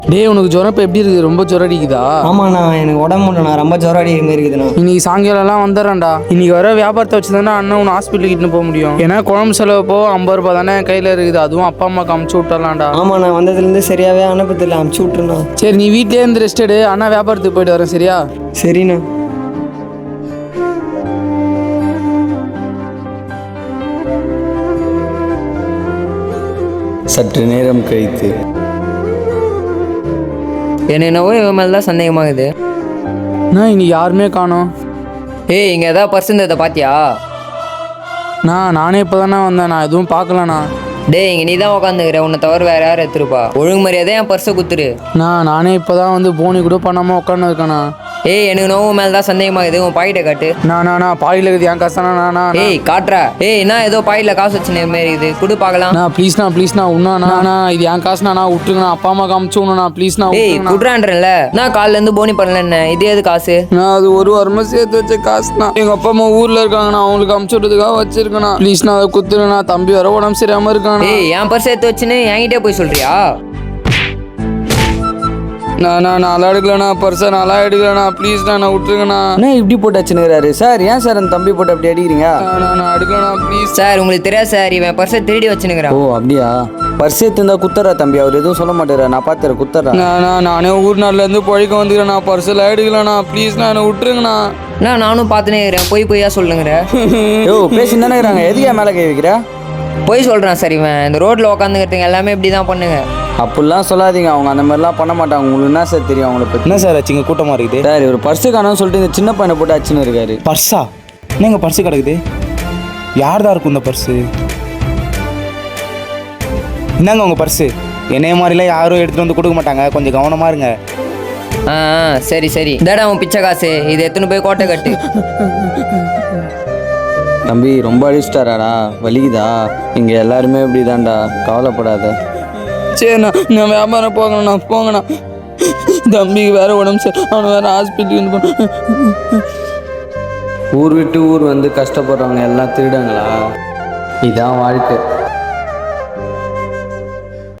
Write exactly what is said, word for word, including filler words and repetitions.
டேய் உனக்கு ஜுரம் இப்போ எப்படி இருக்குது? ரொம்ப ஜுரம் அடிக்குதா? ஆமாண்ணா எனக்கு உடம்பு முடியலண்ணா, ரொம்ப ஜுரம் அடிக்கிற மாதிரி இருக்குதுண்ணா. இன்னைக்கு சாயங்காலம்லாம் வந்துடுறேன்டா. இன்னைக்கு வர வியாபாரத்தை வச்சு தானே அண்ணன் உன்னை ஹாஸ்பிட்டலுக்கு இட்டுன்னு போக முடியும். ஏன்னா குழம்பு செலவு போ ஐம்பது ரூபா தானே என் கையில் இருக்குது. அதுவும் அப்பா அம்மாக்கு அமுச்சு விட்டுறலாம்டா. ஆமாண்ணா, வந்ததுலேருந்து சரியாகவே அனுப்பதில்லை, அமுச்சு விட்டுருண்ணா. சரி நீ வீட்டிலே இருந்து ரெஸ்ட் எடு. அண்ணா வியாபாரத்துக்கு போயிட்டு வரேன், சரியா? சரிண்ணா. சற்று நேரம் கழித்து என்ன என்னவோ இவன் மேலே தான் சந்தேகமாகுது. அண்ணா இன்னைக்கு யாருமே காணோம். ஏய் இங்கே எதாவது பர்ஸ் இருந்ததை பார்த்தியா? நான் நானே இப்போ தானே வந்தேன், நான் எதுவும் பார்க்கலண்ணா. டேய் இங்கே நீ தான் உட்காந்துக்கிற, உன்னை தவிர வேறு யார் எடுத்துருப்பா? ஒழுங்கு மரியாதை என் பர்ஸை குத்துரு. நான் நானே இப்போ தான் வந்து போனி கூட பண்ணாமல் உட்காந்து இருக்கேண்ணா. ஏய் எனக்கு நோவு மேலே தான் சந்தேகமாகுது, உன் பாக்கெட்டை காட்டு. நான் நானா பாயில் இருக்குது என் காசு தானே நானா? ஏய் காட்டுறா. ஏய் என்ன ஏதோ பாயில் காசு வச்சுன மாரி இருக்குது, குடு பார்க்கலாம். நான் ப்ளீஸ்ண்ணா ப்ளீஸ்ண்ணா உண்ணாண்ணா, இது என் காசுண்ணா, நான் விட்டுருங்கண்ணா. அப்பா அம்மா காமிச்சு விடணுண்ணா ப்ளீஸ்ண்ணா. ஏய் குடுறான்றல நான் காலிலேருந்து போனி பண்ணல, என்ன இது எது காசு? நான் அது ஒரு வாரமாக சேர்த்து வச்ச காசுண்ணா. எங்கள் அப்பா அம்மா ஊரில் இருக்காங்கண்ணா, அவங்களுக்கு அமுச்சு விட்றதுக்காக வச்சிருக்கேண்ணா. ப்ளீஸ்ண்ணா அதை குத்துருண்ணா. தம்பி வர உடம்பு சரியாமல் இருக்காண்ணா. ஏய் என் பர்ஸ் எடுத்து வச்சுன்னு என்கிட்டே போய் சொல்றியா? நான் நான் நல்லா எடுக்கலண்ணா, பர்ஸை நல்லா எடுக்கலண்ணா, ப்ளீஸ்ண்ணா நான் விட்டுருங்கண்ணா. அண்ணா இப்படி போட்டு வச்சுனுக்கிறாரு சார். ஏன் சார் அந்த தம்பி போட்டு அப்படி அடிக்கிறீங்க? நான் நான் எடுக்கலண்ணா ப்ளீஸ். சார் உங்களுக்கு தெரியாது சார், இவன் பர்ஸை திருடி வச்சுனுக்கிறான். ஓ அப்படியா? பர்ஸ் எடுத்துருந்தா குத்துறா தம்பி, அவர் எதுவும் சொல்ல மாட்டாரா? நான் பார்த்துறேன், குத்துறா. நான் நானே ஊர் நாள்லேருந்து பழிக்க வந்துக்கிறேண்ணா, பர்ஸெல்லாம் எடுக்கலண்ணா ப்ளீஸ்ண்ணா என்னை விட்டுருங்கண்ணா. நான் நானும் பார்த்துனே இருக்கிறேன், போய் பொய்யா சொல்லுங்கிற. யோ பேசி தானே இருக்கிறாங்க, எதுக்கே மேலே கை வைக்கிற? போய் சொல்கிறான் சார். இவன் இந்த ரோட்டில் உட்காந்துக்கிறதுங்க எல்லாமே இப்படி தான் பண்ணுங்க. அப்படிலாம் சொல்லாதீங்க, அவங்க அந்த மாதிரிலாம் பண்ண மாட்டாங்க. உங்களுக்கு என்ன சார் தெரியும் அவங்கள பற்றி? என்ன சார் ஆச்சு? இங்கே கூட்டமாக இருக்குது சார் ஒரு பர்ஸு காணோம்னு சொல்லிட்டு இந்த சின்ன பையனை போட்டு அச்சுன்னு இருக்காரு. பர்ஸா? என்னங்க பர்ஸு கிடக்குது? யார் தான் இருக்கும் இந்த பர்ஸு? என்னங்க உங்கள் பர்ஸு? என்னைய மாதிரிலாம் யாரும் எடுத்துகிட்டு வந்து கொடுக்க மாட்டாங்க, கொஞ்சம் கவனமாக இருங்க. ஆ ஆ, சரி சரி. இதாடா உன் பிச்சை காசு, இது எத்தனை போய் கோட்டை கட்டு. தம்பி ரொம்ப அழிச்சிட்டாராடா, வலிக்குதா? இங்கே எல்லாருமே இப்படி தான்டா, கவலைப்படாத. சரிண்ணா நான் வியாபாரம் போகணுண்ணா, போங்கண்ணா. தம்பிக்கு வேற உடம்பு சரி, அவனை வேற ஹாஸ்பிட்டலுக்கு போகணும். ஊர் விட்டு ஊர் வந்து கஷ்டப்படுறவங்க எல்லாம் திருடங்களா? இதான் வாழ்க்கை.